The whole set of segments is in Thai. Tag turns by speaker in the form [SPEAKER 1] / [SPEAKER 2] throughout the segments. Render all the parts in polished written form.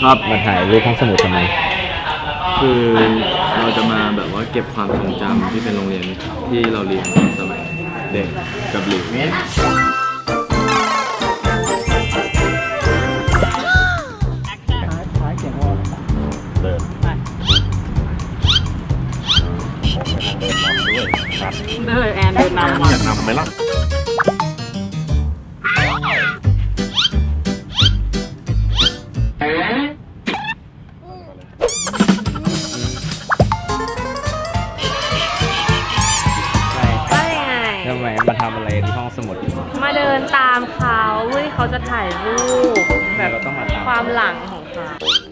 [SPEAKER 1] ครับมาถ่ายรูปห้องสมุดทำไม
[SPEAKER 2] คือเราจะมาแบบว่าเก็บความทรงจำที่เป็นโรงเรียนที่เราเรียนสมัยเด็กกับหลิว
[SPEAKER 3] เดินแอนเดินนำ
[SPEAKER 1] อยากนำไหมล่ะทำไมมาทำอะไรที่ห้องสมุด
[SPEAKER 3] มาเดินตามเขาเพื่อที่เขาจะถ่ายรูปแบบ
[SPEAKER 1] เราต้องมาตาม
[SPEAKER 3] ความหลังของเขา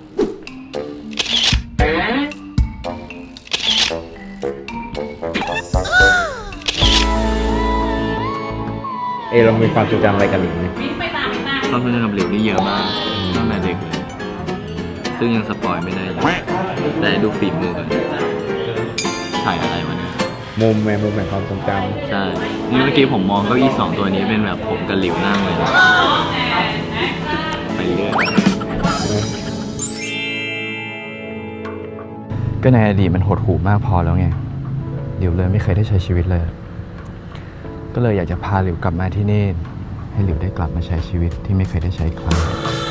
[SPEAKER 1] เรามีความทรงจำอะไรกันหลิงไหม
[SPEAKER 2] ความทรงจำกับหลิวนี่เยอะมากตั้งแต่เด็กเลยซึ่งยังสปอยไม่ได้เลยแต่ดูฝีมือกันถ่ายอะไรมาเนี่ย
[SPEAKER 1] มุมแห่งความทรงจ
[SPEAKER 2] ใช่นี่เมื่อกี้ผมมองเก้าอี้2 ตัวนี้เป็นแบบผมกับหลิวนั่งเลยไปเรื่อย
[SPEAKER 4] ก็ในอดีตมันหดหู่มากพอแล้วไงหลิวเลยไม่เคยได้ใช้ชีวิตเลยก็เลยอยากจะพาหลิวกลับมาที่นี่ให้หลิวได้กลับมาใช้ชีวิตที่ไม่เคยได้ใช้อีกครั้ง